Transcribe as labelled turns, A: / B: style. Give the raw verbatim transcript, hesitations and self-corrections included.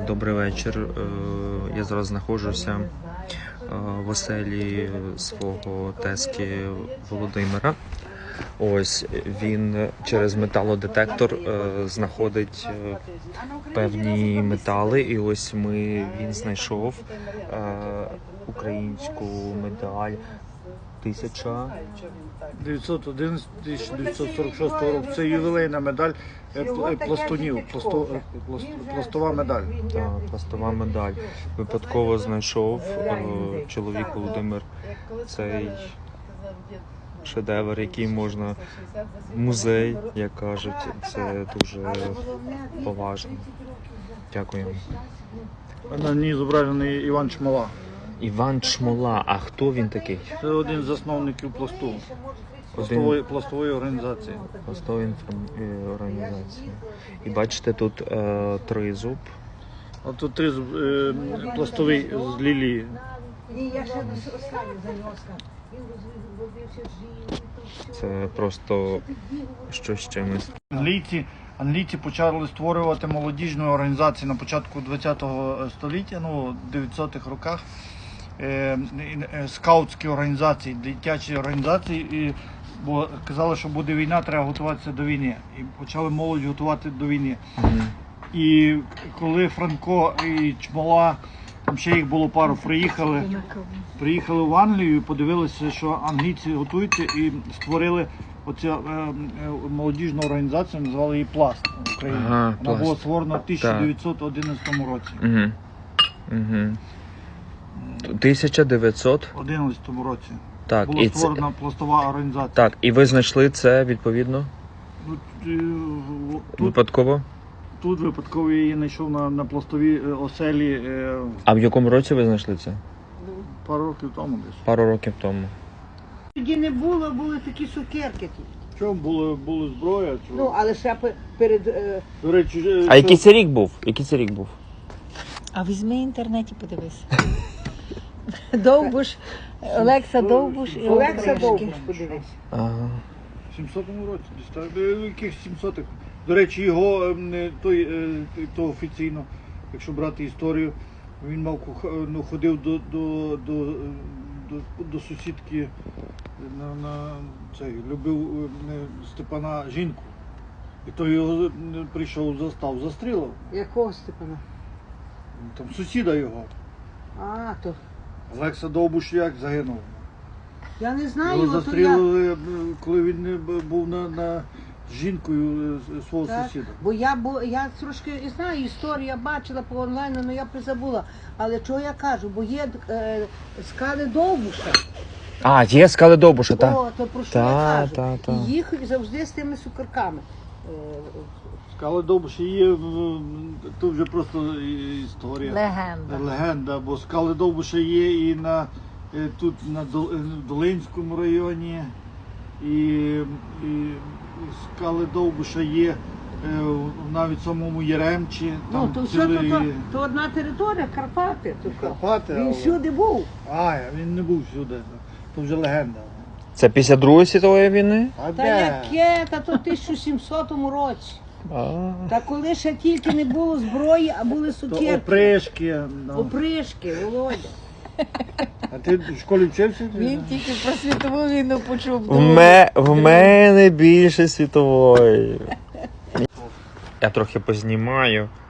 A: Добрий вечір. Я зараз знаходжуся в оселі свого тезки Володимира. Ось він через металодетектор знаходить певні метали, і ось ми він знайшов українську медаль тисяча
B: дев'ятсот одинадцять - тисяча дев'ятсот сорок шостого року. Це ювілейна медаль пластунів, пласто, пластова медаль.
A: Так, пластова медаль. Випадково знайшов е, чоловік Володимир цей шедевр, який можна в музей, як кажуть. Це дуже поважно. Дякуємо.
B: На ній зображений Іван Чмола.
A: Іван Чмола. А хто він такий?
B: Це один з засновників пласту. Пластової, пластової організації.
A: Пластової організації. І бачите, тут е, тризуб.
B: А тут тризуб е, пластовий з лілії.
A: Це просто щось з чимось.
B: Англійці, англійці почали створювати молодіжні організації на початку ХХ століття, ну, в дев'ятсотих роках. Е, е, скаутські організації, дитячі організації, і, бо казали, що буде війна, треба готуватися до війни. І почали молодь готувати до війни.
A: Mm-hmm.
B: І коли Франко і Чмола, там ще їх було пару, приїхали, приїхали в Англію і подивилися, що англійці готуються, і створили оцю е, е, молодіжну організацію, назвали її «Пласт» в Україні.
A: Ага,
B: Вона
A: «Пласт».
B: була створена в тисяча дев'ятсот одинадцятому році.
A: Угу. Угу. тисяча дев'ятсот
B: одинадцятому році.
A: Так,
B: Була
A: і
B: створена
A: це...
B: пластова організація.
A: Так, і ви знайшли це відповідно?
B: Тут, е, тут,
A: Випадково?
B: тут випадково я її знайшов на, на пластовій оселі е,
A: А в якому році ви знайшли це?
B: пару років тому десь.
A: Пару років тому.
C: Тоді не було, були такі цукерки.
B: Чому було, було зброя? Чому?
C: Ну, але ще пе- перед... е,
B: До речі, е,
A: А який це рік був? Який це рік був?
D: А візьми в інтернеті, подивись.
C: Довбуш,
D: Олекса Довбуш і
C: Олекса
D: Олег
C: Довбуш, подивись.
A: Ага.
B: в сімсотому році, десь так, е, яких сімсотих. До речі, його ем, е, той, е, то офіційно, якщо брати історію, він мав куха- ну, ходив до, до, до, е, до, до сусідки на, на цей, любив е, Степана жінку. І той його е, прийшов, застав, застрілив.
C: Якого Степана?
B: Там сусіда його.
C: А, то...
B: Олекса Довбуш як загинув.
C: Я не знаю,
B: Його
C: то я...
B: застрілили, е, коли він е, був на, на з жінкою е, свого
C: Так,
B: сусіда.
C: бо я, бо я трошки і знаю історію, я бачила по онлайну, але я призабула. Але чого я кажу, бо є е, скали Довбуша.
A: А, є скали Довбуша, так?
C: О, то про що
A: Та,
C: я кажу.
A: та, та.
C: І їх завжди з тими цукерками. Е,
B: Скали Довбуша є, в- тут вже просто і- історія.
D: Легенда.
B: Легенда, бо скали Довбуша є і на, е, тут на Дол- е, в Долинському районі, і, і скали Довбуша є е, в- навіть в самому Яремчі.
C: Ну,
B: Там
C: то все, то,
B: цілий-
C: то, то одна територія, Карпати. То,
B: Карпати,
C: Він
B: але-
C: всюди був.
B: А, він не був сюди, то вже легенда.
A: Це після Другої світової війни?
B: А
C: Та яке, та то в тисяча сімсотому році.
A: А.
C: Та коли ще тільки не було зброї, а були
B: То
C: сукерки.
B: опришки. ну.
C: Опришки, Володя.
B: А ти в школі вчився?
D: Він тільки про світову війну почув.
A: В, ме... в мене більше світової. Я трохи познімаю.